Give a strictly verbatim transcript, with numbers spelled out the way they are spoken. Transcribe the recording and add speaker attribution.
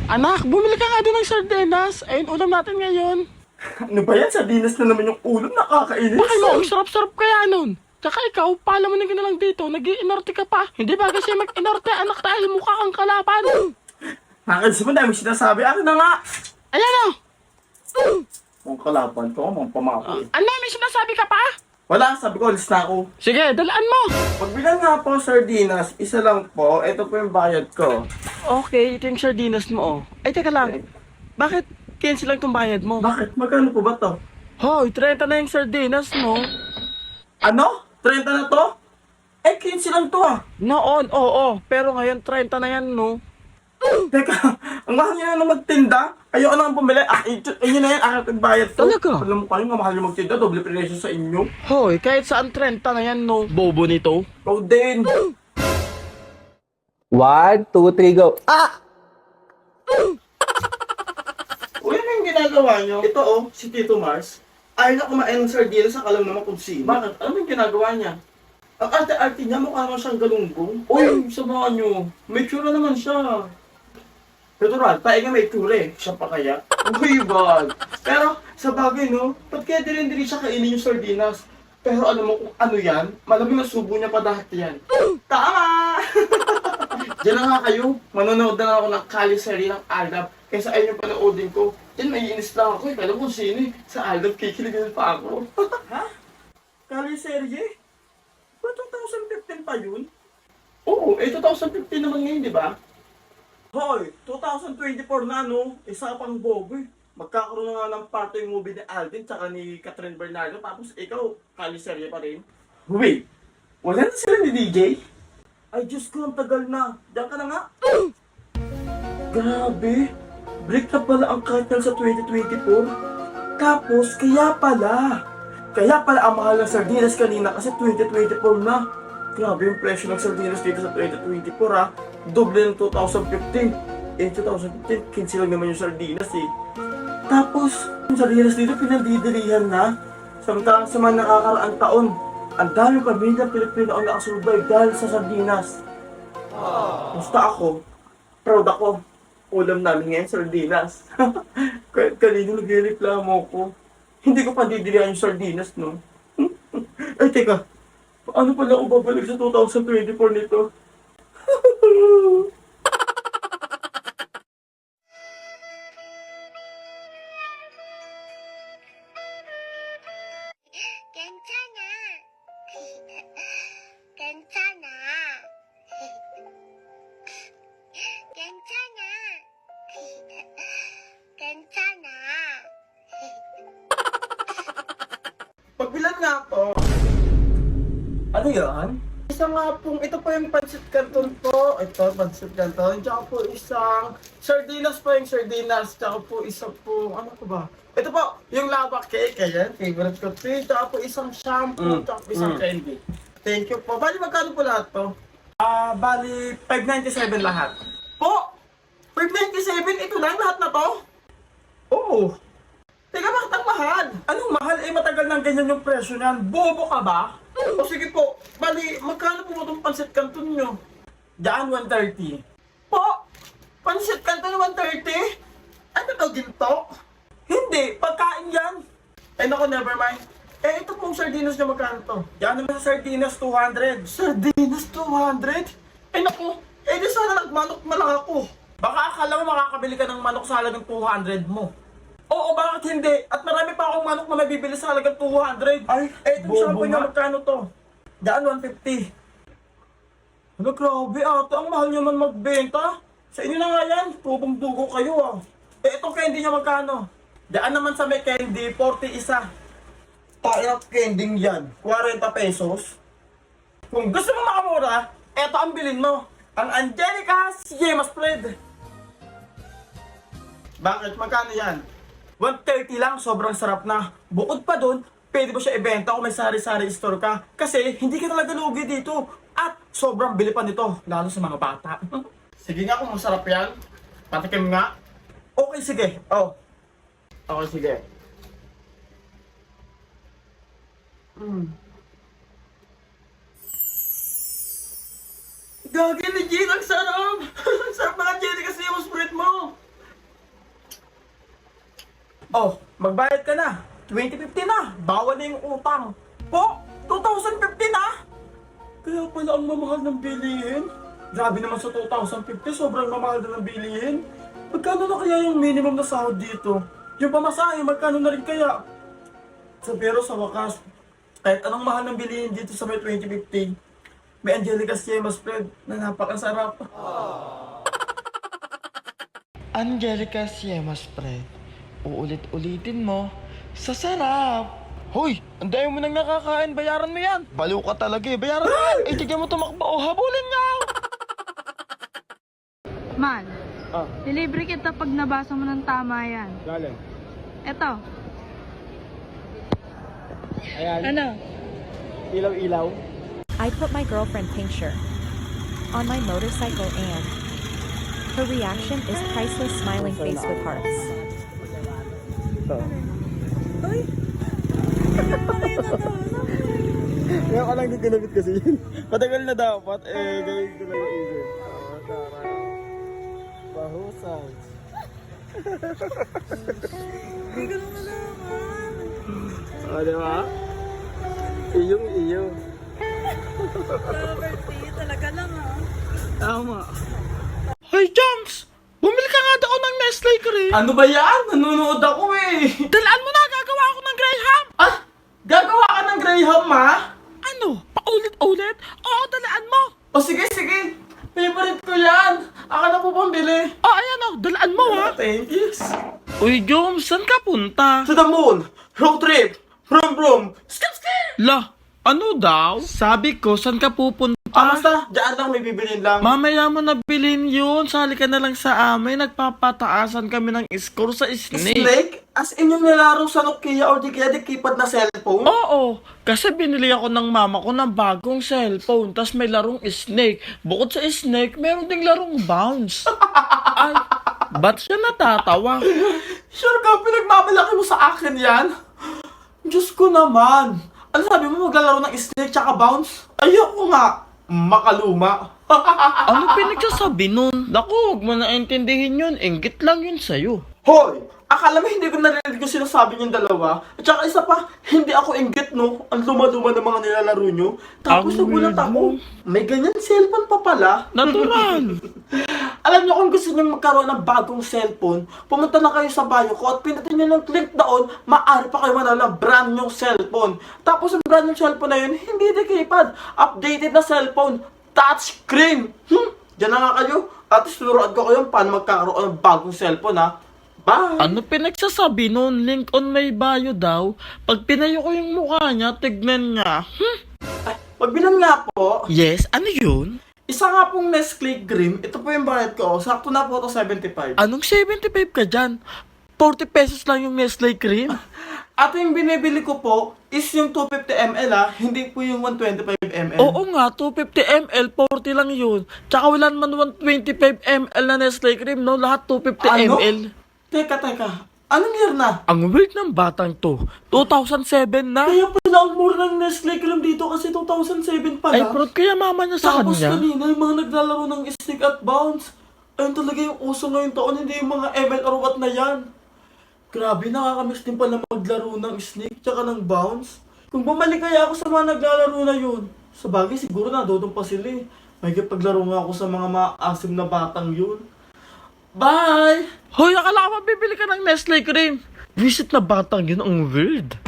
Speaker 1: Anak, bumili ka nga doon ng sardinas. Ayun, ulam natin ngayon.
Speaker 2: Ano ba yan? Sardinas na naman yung ulam, nakakainis.
Speaker 1: Bakit mo, ang sarap-sarap kaya nun. Tsaka ikaw, pala mo na gina lang dito, nag-iinorte ka pa. Hindi ba kasi mag-inorte, anak, dahil mukha kang kalapan.
Speaker 2: Nakakainis mo, dami sinasabi. Akin na nga.
Speaker 1: Ayan o.
Speaker 2: Mga kalaban to, mga pamako.
Speaker 1: Ano, may sinasabi ka pa?
Speaker 2: Wala, sabi ko, alis na ako.
Speaker 1: Sige, dalaan mo.
Speaker 2: Pagbilang nga po sardinas, isa lang po. Ito po yung bayad ko.
Speaker 1: Okay, ito yung sardinas mo, oh. Ay, teka lang. Bakit cancel lang itong bayad mo?
Speaker 2: Bakit? Magkano po ba to?
Speaker 1: Hoy, thirty na yung sardinas mo.
Speaker 2: Ano? thirty na to? Eh, quince lang to ah.
Speaker 1: Noon, oo. Pero ngayon, thirty na yan, no?
Speaker 2: Teka, ang mahal niya na magtinda. Ayoko na nga bumili. Ah, ito, ayun na yan, aking nagbayad to.
Speaker 1: Talaga?
Speaker 2: Alam mo kayo, nga mahal yung magtinda. Doble presyo sa inyo.
Speaker 1: Hoy, kahit saan thirty na yan, no? Bobo nito.
Speaker 2: Ikaw din.
Speaker 3: One, two, three, go. Ah!
Speaker 2: Uy, ano yung ginagawa niyo? Ito oh, si Tito Mars. Ayaw na kumain ng sardinas sa kalam naman kung sino. Bakit? Ano yung ginagawa niya? Ang arte-arte niya, mukha naman siyang galunggong. Uy, samahan niyo. May tsura naman siya. Natural, tayo nga may tsura eh. Siya pa kaya? Uy, bag. Pero, sa bagay no, ba't kaya din-din siya kainin yung sardinas? Pero alam mo kung ano yan? Malamang nasubo niya pa dahil yan. Tama! Diyan na nga kayo. Manonood na lang ako ng Kalisari ng Aldab. Kaysa ayun yung panoodin ko. Yan, may inis lang ako. Kaya kung sino eh. Sa Aldab, kikiligan pa ako. Ha? Kalisari? Ba twenty fifteen pa yun? Oo, eh twenty fifteen naman ngayon, di ba? Hoy, twenty twenty-four na no? Isa pang bobo eh. Magkakaroon na nga ng party yung movie ni Alvin tsaka ni Catherine Bernardo. Tapos ikaw, Kalisari pa rin. Wait, wala na sila ni D J? Ay, Diyos ko, ang tagal na. Diyan ka na nga. Grabe. Break na pala ang cartel sa twenty twenty-four. Tapos, kaya pala. Kaya pala ang mahal ng sardinas kanina kasi twenty twenty-four na. Grabe yung presyo ng sardinas dito sa twenty twenty-four ha. Doble ng twenty fifteen. Eh, twenty fifteen, quince lang naman yung sardinas eh. Tapos, yung sardinas dito pinandidilihan na. Samantalang sa mga nakakaraang taon, ang daming pamilya Pilipino ang nakasurvive dahil sa sardinas. Basta ako, proud ako. Ulam namin ngayon, sardinas. Kahit kanino nagreklamo ko. Hindi ko pa didilihan yung sardinas, no? Ay, teka. Paano pala ako babalik sa twenty twenty-four nito?
Speaker 4: 괜찮아. 괜찮아. 괜찮아. 괜찮아.
Speaker 2: Pagbilan nga po. Ano yan? Isa nga pong, ito po yung pancit canton po. Ito, pancit canton. Tsaka po isang sardinas po yung sardinas. Tsaka po isa po, ano po ba? Ito po, yung lava cake. Ayan, favorite ko po. Tsaka po isang shampoo. Tsaka po isang candy. Thank you po. Bali, magkano po lahat to? Ah, bali, five ninety-seven lahat. Po! five ninety-seven? Ito lang lahat na to? Oo. Teka, bakit ang mahal? Anong mahal? Eh, matagal nang ganyan yung presyo niyan. Bobo ka ba? O sige po, bali, magkano po itong pancit canton nyo? Diyan, one thirty. Po? Pancit canton one thirty? Ano to, ginto? Hindi, pagkain yan. Ay naku, never mind. Eh, ito pong sardinas nyo magkano to? Diyan naman sa sardinas, two hundred. Sardinas, two hundred? Ay naku, eh di sana nagmanok na lang ako. Baka akala mo makakabili ka ng manok sa halagang two hundred mo. Oo, bakit hindi? At marami pa akong manok na mabibili sa halagang two hundred. Ay, eh, itong shampoo niya, magkano to? Daan, one fifty. Ano, grabe ata. Ang mahal niyo man magbenta. Sa inyo na nga yan. Tubong-dugo kayo ah. Eh, itong candy niya magkano? Daan naman sa may candy, forty isa. Tayo ng candy yan. forty pesos. Kung gusto mo makamura, eto ang bilhin mo. Ang Angelica Yema Spread. Bakit? Magkano yan? one thirty lang, sobrang sarap na. Bukod pa dun, pwede mo siya ibenta kung may sari-sari store ka. Kasi hindi ka talaga lugi dito. At sobrang bili pa nito, lalo sa mga bata. Sige nga kung masarap yan. Patikim nga. Okay, sige. Oh. Okay, sige. Mm. Gagi, legit, ang sarap! Ang sarap na Angelica Yema Spread mo! Oh, magbayad ka na. twenty fifty na. Bawal na yung utang. Po, two thousand fifty na. Kaya pala ang mamahal ng bilihin. Grabe naman sa two thousand fifty, sobrang mamahal na ng bilihin. Magkano na kaya yung minimum na sahod dito? Yung pamasahe, magkano na rin kaya? So, pero sa wakas, kahit anong mahal ng bilihin dito sa may twenty fifty, may Angelica Siema spread na napakasarap.
Speaker 1: Angelica Siema spread. Uulit-ulitin mo. Sa sarap. Hoy, ang dami mo nang nakakain. Bayaran mo yan. Baliw ka talaga eh. Bayaran mo yan. Eh, tigyan mo tumakbo. O, habulin niya.
Speaker 5: Man,
Speaker 2: Ah.
Speaker 5: delivery kita pag nabasa mo ng tama yan.
Speaker 2: Galing.
Speaker 5: Eto.
Speaker 2: Ayan,
Speaker 5: Ano?
Speaker 2: ilaw-ilaw.
Speaker 6: I put my girlfriend Pinkshire on my motorcycle and her reaction is priceless smiling face with hearts.
Speaker 2: Ito. Kaya ka lang din ginamit kasi yun. Matagal na dapat, eh, gawin ko lang yung isip. Oo, tara. Bahusay. Hindi ko na malaman. O, di ba? Iyong iyo.
Speaker 5: Talaga lang ah.
Speaker 2: Tama.
Speaker 1: Hoy, Joms! Bumili ka nga daw ng Nestle cream.
Speaker 2: Ano ba yan? Nanonood ako eh.
Speaker 1: Dalaan mo na. Gagawa ako ng Graham.
Speaker 2: Ah! Gagawa ka ng Graham, ma?
Speaker 1: Ano? Paulit-ulit? Oo, dalaan mo.
Speaker 2: O sige, sige. Favorite ko yan. Ako na po pambili.
Speaker 1: Oh, ayan o. Dalaan mo ha.
Speaker 2: Thank you.
Speaker 1: Uy, Joms, saan ka punta?
Speaker 2: To the moon. Road trip. Brum brum. Skip skip.
Speaker 1: La, ano daw? Sabi ko, saan ka pupunta?
Speaker 2: Ah, basta. Diyan lang may bibilin lang.
Speaker 1: Mamaya mo na bilhin yun. Sali ka na lang sa amin. Nagpapataasan kami ng score sa Snake.
Speaker 2: Snake? As in yung nilalaro sa Nokia or di kaya di keypad na cellphone?
Speaker 1: Oo, kasi binili ako ng mama ko ng bagong cellphone. Tas may larong Snake. Bukod sa Snake, meron ding larong Bounce. Ay, ba't siya natatawa?
Speaker 2: Sure ka, pinagmamalaki mo sa akin yan? Diyos ko naman. Ano sabi mo, maglalaro ng Snake tsaka Bounce? Ayoko nga. Makaluma.
Speaker 1: Ano pinagsasabi nun? Naku, huwag mo na intindihin yun. Inggit lang yun sa'yo.
Speaker 2: Hoy! Akala mo hindi ko narinig yung sinasabi niyong dalawa? At saka isa pa, hindi ako inggit, no? Ang luma-luma ng mga nilalaro niyo. Tapos
Speaker 1: Ang
Speaker 2: nagulat
Speaker 1: weird
Speaker 2: ako,
Speaker 1: mo.
Speaker 2: may ganyan cellphone pa pala.
Speaker 1: Natural.
Speaker 2: Alam niyo kung gusto niyo magkaroon ng bagong cellphone, pumunta na kayo sa bio ko at pindutin niyo ng link doon, maaari pa kayo manalo ng brand new cellphone. Tapos ang brand new cellphone na yun, hindi na keypad, updated na cellphone, touchscreen. Hmm, diyan na nga kayo. At turuan ko kayo paano magkakaroon ng bagong cellphone, ha. Bye!
Speaker 1: Ano pinagsasabi nun? Link on my bio daw. Pag pinayo ko yung mukha niya, tignan niya. Hmm?
Speaker 2: Ay, pagbilan nga po,
Speaker 1: Yes, ano yun?
Speaker 2: isa nga pong Nestle Grim, ito po yung bayad ko, sakto na po ito seventy-five.
Speaker 1: Anong seventy-five ka dyan? forty pesos lang yung Nestle cream.
Speaker 2: At yung binibili ko po is yung two fifty milliliters ah, hindi po yung one twenty-five milliliters.
Speaker 1: Oo nga, two fifty milliliters, forty lang yun. Tsaka wala naman one twenty-five milliliters na Nestle cream, no? Lahat two fifty
Speaker 2: Ano?
Speaker 1: milliliters.
Speaker 2: Teka, teka. Anong year na?
Speaker 1: Ang weird ng batang to. two thousand seven na.
Speaker 2: Kaya pala ang mura ng Nestle Cream dito kasi two thousand seven pala.
Speaker 1: Ay, proud kaya mama niya sa
Speaker 2: Tapos
Speaker 1: kanya.
Speaker 2: kanina yung mga naglalaro ng stick at bounce. Ayun talaga yung uso ngayong taon, hindi yung mga M L or what na yan. Grabe, nakakamiss din pala maglaro ng snake tsaka ng bounce. Kung bumalik kaya ako sa mga naglalaro na yun, sa bagay siguro nadodong pa sila eh. May paglaro nga ako sa mga maasim na batang yun. Bye!
Speaker 1: Hoy, akala ko mabibili ka ng Nestle cream. Visit na batang yun, ang weird.